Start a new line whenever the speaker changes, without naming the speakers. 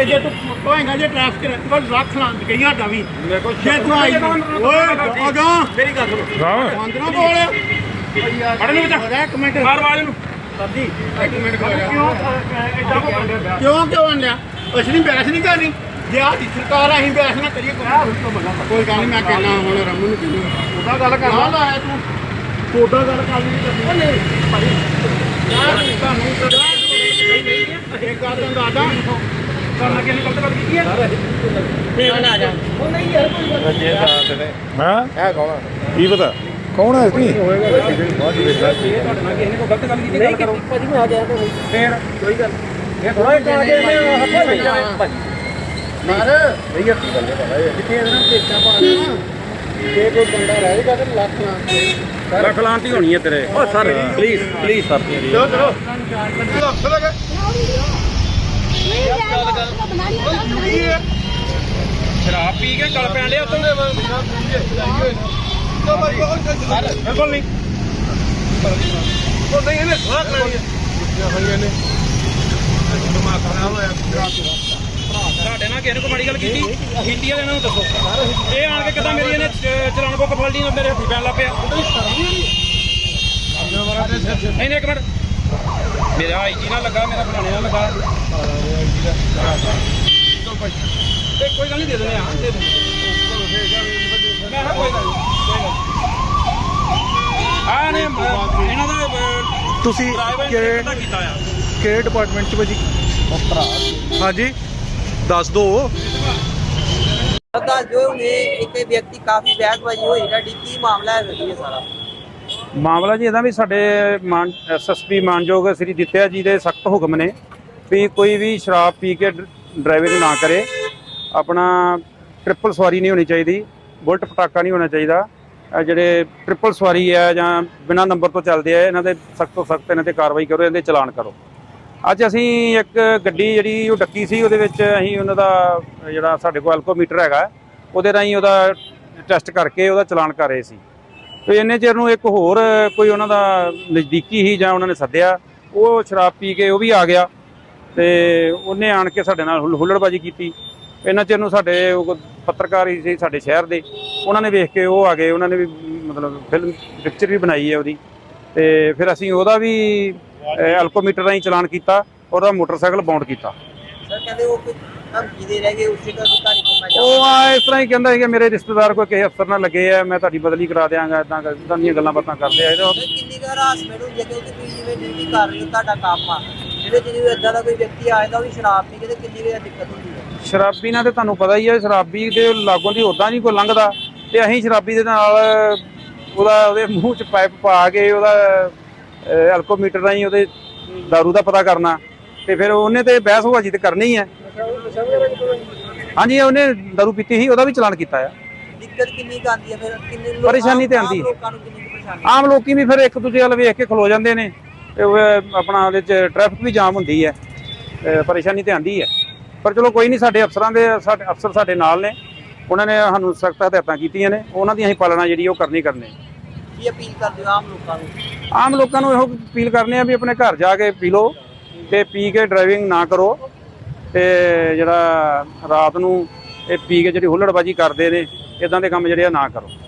ਜੇ ਤੂੰ ਹੋਏਗਾ ਜੇ ਟ੍ਰੈਫਿਕ ਕੋਲ ਰੱਖ ਲਾਂ ਗਈ ਸਾਡਾ ਵੀ ਮੇਰੇ ਕੋਲ ਜੇ ਤੂੰ ਆਈ ਓਏ ਆਗਾ ਮੇਰੀ ਗੱਲ ਸੁਣੋ ਬੰਦ ਨਾ ਬੋਲ ਫੜ ਨੂੰ ਵਿੱਚ ਇੱਕ ਮਿੰਟ ਮਾਰ ਆਵਾਜ਼ ਨੂੰ ਸਰਦੀ ਇੱਕ ਮਿੰਟ ਕਿਉਂ ਆਂਡਿਆ ਅਸੀਂ ਨਹੀਂ ਬਹਿਸ ਨਹੀਂ ਕਰਨੀ ਜੇ ਆਹ ਦੀ ਸਰਕਾਰ ਅਸੀਂ ਬਹਿਸ ਨਾ ਕਰੀਏ ਕੋਈ ਗੱਲ ਨਹੀਂ ਮੈਂ ਕਹਿਣਾ ਹੁਣ ਰਮਨ ਨੂੰ ਕਹਿੰਦਾ ਉਹਦਾ ਗੱਲ ਕਰ ਲਾ ਲਾਇਆ ਤੂੰ ਉਹਦਾ ਗੱਲ ਕਰ ਨਹੀਂ ਕਰਨੀ ਨਹੀਂ ਭਾਈ ਯਾਰ ਤੁਹਾਨੂੰ ਇੱਕ ਗੱਲ ਦਾ ਦਾਦਾ ਕਰਨਾ ਕਿਹਨੇ ਗਲਤ ਗੱਲ ਕੀਤੀ ਹੈ ਫੇਰ ਨਾ ਜਾ ਉਹ ਨਹੀਂ ਯਾਰ ਕੋਈ ਗੱਲ ਜੇ ਸਾਥ ਨੇ ਹਾਂ ਇਹ ਕੌਣ ਕੀ ਪਤਾ ਕੌਣ ਹੈ ਇਸਨੀ ਹੋਏਗਾ ਬਹੁਤ ਹੀ ਤੁਹਾਡੇ ਨਾਲ ਕਿਸੇ ਨੇ ਕੋਈ ਗਲਤ ਗੱਲ ਕੀਤੀ ਗੱਲ ਕਰੋ ਭਾਜੀ ਮੈਂ ਆ ਗਿਆ ਤਾਂ ਫੇਰ ਕੋਈ ਗੱਲ ਇਹ ਥੋੜਾ ਜਿਹਾ ਆ ਕੇ ਮੈਂ ਭਾਜੀ ਮਾਰ ਨਹੀਂ ਹੱਥੀ ਗੱਲ ਹੈ ਭਾਈ ਕਿੱਥੇ ਇਹਨਾਂ ਦੇਖਾਂ ਪਾਣਾ ਜੇ ਕੋਈ ਬੰਦਾ ਰਹਿ ਗਿਆ ਤਾਂ ਲੱਖ ਲਾਂਤੀ ਹੋਣੀ ਹੈ ਤੇਰੇ ਓ ਸਰ ਪਲੀਜ਼ ਸਰ ਚਲੋ ਚਲੋ ਹੱਥ ਲਗਾ ਸ਼ਰਾਬ ਪੀ ਕੇ ਗਲ ਪੈਣ ਲਿਆ ਬਿਲਕੁਲ ਨਹੀਂ ਉਹ ਨਹੀਂ ਇਹਨੇ ਸਲਾਹ ਕਰਾਣੀ ਹੋਈਆਂ ਨੇ ਦਿਮਾਗ ਖਰਾਬ ਹੋਇਆ ਤੁਹਾਡੇ ਨਾਲ ਕਿਸੇ ਨੇ ਕੋਈ ਮਾੜੀ ਗੱਲ ਕੀਤੀ ਵਾਲੇ ਇਹਨਾਂ ਨੂੰ ਦੱਸੋ ਇਹ ਆਣ ਕੇ ਕਿਦਾਂ ਮੇਰੀ ਇਹਨੇ ਚਲਾਨ ਬੁੱਕ ਫੜ ਲਈ ਮੇਰੇ ਹੱਥੀ ਪੈਣ ਲੱਗ ਪਿਆ ਨਹੀਂ ਇੱਕ ਮਿੰਟ ਮੇਰਾ ਆਈਜੀ ਨਾਲ ਲੱਗਾ ਮੇਰਾ ਫਲਾਣੇ ਨਾਲ ਲੱਗਾ ਕੋਈ ਗੱਲ ਨਹੀਂ ਦੇ ਦਿੰਦੇ ਆ ਦੇ ਦਿੰਦੇ ਮੈਂ ਕੋਈ ਗੱਲ ਨਹੀਂ ਇਹਨਾਂ ਦਾ
ਤੁਸੀਂ ਕਿਹੜੇ ਡਿਪਾਰਟਮੈਂਟ ਚ ਭਾਜੀ ਹਾਂਜੀ ਦੱਸ ਦੋ
जो एक व्यक्ति काफी बैगबाजी हुई ਤੁਹਾਡੀ ਕੀ ਮਾਮਲਾ ਹੈ ਜੀ ਸਾਰਾ
ਮਾਮਲਾ ਜੀ ਇਹਦਾ ਵੀ ਸਾਡੇ ਐਸਐਸਪੀ ਮਾਨਯੋਗ ਸ੍ਰੀ ਦਿੱਤਿਆ ਜੀ ਦੇ ਸਖਤ ਹੁਕਮ ਨੇ ਵੀ ਕੋਈ ਵੀ ਸ਼ਰਾਬ ਪੀ ਕੇ ਡਰਾਈਵਿੰਗ ਨਾ ਕਰੇ ਆਪਣਾ ਟ੍ਰਿਪਲ ਸਵਾਰੀ ਨਹੀਂ ਹੋਣੀ ਚਾਹੀਦੀ ਬੁਲਟ ਪਟਾਕਾ ਨਹੀਂ ਹੋਣਾ ਚਾਹੀਦਾ ਜਿਹੜੇ ਟ੍ਰਿਪਲ ਸਵਾਰੀ ਹੈ ਜਾਂ ਬਿਨਾਂ ਨੰਬਰ ਤੋਂ ਚੱਲਦੇ ਆ ਇਹਨਾਂ ਦੇ ਸਖਤ ਤੋਂ ਸਖਤ ਇਹਨਾਂ ਤੇ ਕਾਰਵਾਈ ਕਰੋ ਇਹਦੇ ਚਲਾਨ ਕਰੋ ਅੱਜ ਅਸੀਂ ਇੱਕ ਗੱਡੀ ਜਿਹੜੀ ਉਹ ਡੱਕੀ ਸੀ ਉਹਦੇ ਵਿੱਚ ਅਸੀਂ ਉਹਨਾਂ ਦਾ ਜਿਹੜਾ ਸਾਡੇ ਕੋਲ ਐਲਕੋਮੀਟਰ ਹੈਗਾ ਉਹਦੇ ਰਾਹੀਂ ਉਹਦਾ ਟੈਸਟ ਕਰਕੇ ਉਹਦਾ ਚਲਾਨ ਕਰ ਰਹੇ ਸੀ ਤੇ ਇੰਨੇ ਚਿਰ ਨੂੰ ਇੱਕ ਹੋਰ ਕੋਈ ਉਹਨਾਂ ਦਾ ਨਜ਼ਦੀਕੀ ਹੀ ਜਾਂ ਉਹਨਾਂ ਨੇ ਸੱਦਿਆ ਉਹ ਸ਼ਰਾਬ ਪੀ ਕੇ ਉਹ ਵੀ ਆ ਗਿਆ ਤੇ ਉਹਨੇ ਆਣ ਕੇ ਸਾਡੇ ਨਾਲ ਹੁੱਲੜਬਾਜੀ ਕੀਤੀ ਇੰਨਾ ਚਿਰ ਨੂੰ ਸਾਡੇ ਉਹ ਪੱਤਰਕਾਰ ਹੀ ਸੀ ਸਾਡੇ ਸ਼ਹਿਰ ਦੇ ਉਹਨਾਂ ਨੇ ਵੇਖ ਕੇ ਉਹ ਆ ਗਏ ਉਹਨਾਂ ਨੇ ਵੀ ਮਤਲਬ ਫਿਲਮ ਪਿਕਚਰ ਵੀ ਬਣਾਈ ਹੈ ਉਹਦੀ ਤੇ ਫਿਰ ਅਸੀਂ ਉਹਦਾ ਵੀ ਐਲਕੋਮੀਟਰ ਰਾਹੀਂ ਚਲਾਨ ਕੀਤਾ ਉਹਦਾ ਮੋਟਰਸਾਈਕਲ ਬਾਉਂਡ ਕੀਤਾ
ਸਰ ਕਹਿੰਦੇ ਉਹ ਕੋਈ ਧਮਕੀ ਦੇ ਰਹਿ ਗਏ ਉਸੇ ਦਾ ਅਧਿਕਾਰੀ ਕੋਲ ਮੈਂ
ਉਹ ਇਸ ਤਰ੍ਹਾਂ ਹੀ ਕਹਿੰਦਾ ਸੀ ਕਿ ਮੇਰੇ ਰਿਸ਼ਤੇਦਾਰ ਕੋਈ ਕਿਸੇ ਅਫਸਰ ਨਾਲ ਲੱਗੇ ਆ ਮੈਂ ਤੁਹਾਡੀ ਬਦਲੀ ਕਰਾ ਦਿਆਂਗਾ ਇਦਾਂ ਦੀਆਂ ਗੱਲਾਂ ਬਾਤਾਂ ਕਰਦੇ ਆ
ਕਿੰਨੀ ਕੁ ਹਰਾਸਮੈਂਟ ਹੁੰਦੀ ਹੈ ਕਿਉਂਕਿ ਤੁਸੀਂ ਜਿਵੇਂ ਡਿਊਟੀ ਕਰ ਰਹੇ ਹੋ ਤੁਹਾਡਾ ਕੰਮ ਆ ਜਿਹਦੇ ਇਦਾਂ ਦਾ ਕੋਈ ਵਿਅਕਤੀ ਆਏਗਾ ਉਹ ਵੀ ਸ਼ਰਾਬ ਪੀ ਕੇ ਤੇ ਕਿੰਨੀ ਕੁ ਦਿੱਕਤ ਹੁੰਦੀ ਹੈ
ਸ਼ਰਾਬੀ ਨਾਲ ਤੇ ਤੁਹਾਨੂੰ ਪਤਾ ਹੀ ਹੈ ਸ਼ਰਾਬੀ ਦੇ ਲਾਗੋਂ ਦੀ ਉੱਦਾਂ ਨਹੀਂ ਕੋਈ ਲੰਘਦਾ ਤੇ ਅਸੀਂ ਸ਼ਰਾਬੀ ਦੇ ਨਾਲ ਉਹਦੇ ਮੂੰਹ 'ਚ ਪਾਈਪ ਪਾ ਕੇ ਉਹਦਾ ਐਲਕੋਮੀਟਰ ਰਾਹੀਂ ਉਹਦੇ ਦਾਰੂ ਦਾ ਪਤਾ ਕਰਨਾ ਤੇ ਫਿਰ ਉਹਨੇ ਤੇ ਬਹਿਸਬਾਜ਼ੀ ਤੇ ਕਰਨੀ ਹੀ ਹੈ ਹਾਂਜੀ ਉਹਨੇ ਦਾਰੂ ਪੀਤੀ ਸੀ ਉਹਦਾ ਵੀ ਚਲਾਨ ਕੀਤਾ ਆ
ਦਿੱਕਤ ਕਿੰਨੀ ਕੁ ਆਉਂਦੀ ਹੈ ਫਿਰ ਕਿੰਨੇ ਲੋਕ
ਪਰੇਸ਼ਾਨੀ ਤੇ ਆਉਂਦੀ
ਲੋਕਾਂ ਨੂੰ ਕਿੰਨੀ ਪਰੇਸ਼ਾਨੀ
ਆਮ ਲੋਕੀ ਵੀ ਫਿਰ ਇੱਕ ਦੂਜੇ ਵੱਲ ਵੇਖ ਕੇ ਖਲੋ ਜਾਂਦੇ ਨੇ ਤੇ ਆਪਣਾ ਉਹਦੇ 'ਚ ਟ੍ਰੈਫਿਕ ਵੀ ਜਾਮ ਹੁੰਦੀ ਹੈ ਪਰੇਸ਼ਾਨੀ ਤੇ ਆਉਂਦੀ ਹੈ ਪਰ ਚਲੋ ਕੋਈ ਨਹੀਂ ਸਾਡੇ ਅਫਸਰ ਸਾਡੇ ਨਾਲ ਨੇ ਉਹਨਾਂ ਨੇ ਸਾਨੂੰ ਸਖਤ ਹਦਾਇਤਾਂ ਕੀਤੀਆਂ ਨੇ ਉਹਨਾਂ ਦੀ ਅਸੀਂ ਪਾਲਣਾ ਜਿਹੜੀ ਉਹ ਕਰਨੀ
ਕੀ ਅਪੀਲ ਕਰਦੇ ਹੋ
ਆਮ ਲੋਕਾਂ ਨੂੰ ਇਹੋ ਅਪੀਲ ਕਰਨੇ ਆ ਵੀ ਆਪਣੇ ਘਰ ਜਾ ਕੇ ਪੀ ਲਓ ਤੇ ਪੀ ਕੇ ਡਰਾਈਵਿੰਗ ਨਾ ਕਰੋ ਤੇ ਜਿਹੜਾ ਰਾਤ ਨੂੰ ਇਹ ਪੀ ਕੇ ਜਿਹੜੀ ਹੁੱਲੜਬਾਜੀ ਕਰਦੇ ਨੇ ਇਦਾਂ ਦੇ ਕੰਮ ਜਿਹੜੇ ਆ ਨਾ ਕਰੋ।